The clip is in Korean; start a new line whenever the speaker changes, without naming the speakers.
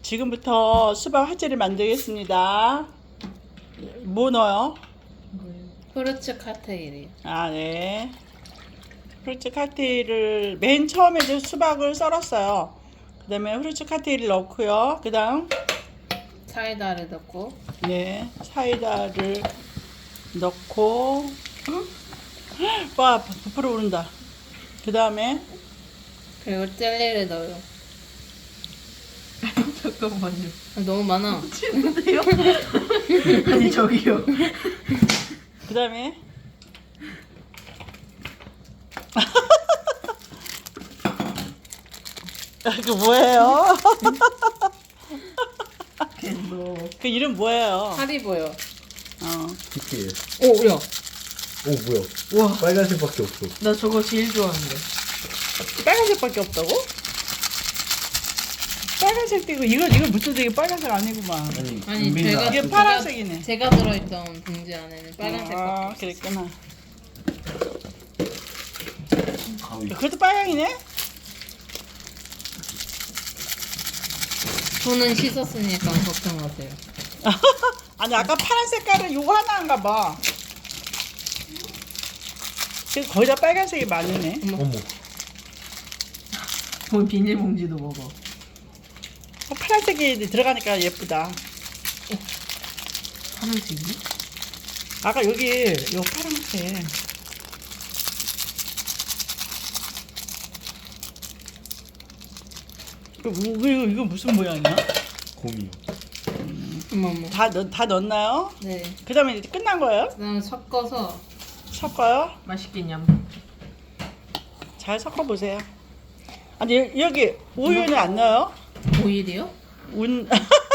지금부터 수박 화채를 만들겠습니다. 뭐 넣어요?
후르츠 칵테일이요.
아, 네. 후르츠 칵테일을 맨 처음에 이제 수박을 썰었어요. 그 다음에 후르츠 칵테일을 넣고요. 그 다음
사이다를 넣고
네, 사이다를 넣고 와, 부풀어 오른다. 그 다음에
그리고 젤리를 넣어요.
잠깐만요.
너무 많아.
치는데요? 아니 저기요.
그 다음에 그 뭐예요?
캔도.
그 이름 뭐예요?
하리보요.
어.
PT예요.
오, 야.
오 뭐야?
와,
빨간색밖에 없어.
나 저거 제일 좋아하는데.
빨간색밖에 없다고? 빨간색도 이거 이거 무슨 되게 빨간색 아니구만.
아니,
은빈이가
제가-
이게
제가-
파란색이네.
제가 들어있던 봉지 안에는 빨간색
아,
밖에 없어.
그랬구나.
가위.
그것도 빨강이네?
손은 씻었으니까 걱정 마세요.
아니 아까 파란 색깔은 요거 하나인가 봐. 그래서 거의 다 빨간색이 많으네.
어머.
뭐 비닐봉지도 먹어.
파란색이 들어가니까 예쁘다.
파란색이?
아까 여기 요 파란색. 이거 무슨 모양이야?
곰이요.
어머머.
다 넣었나요?
네.
그 다음에 이제 끝난 거예요?
그다음에 섞어서
섞어요?
맛있겠냐?
잘 섞어보세요. 아니 여기 우유는 안 넣어요?
오일이요?
운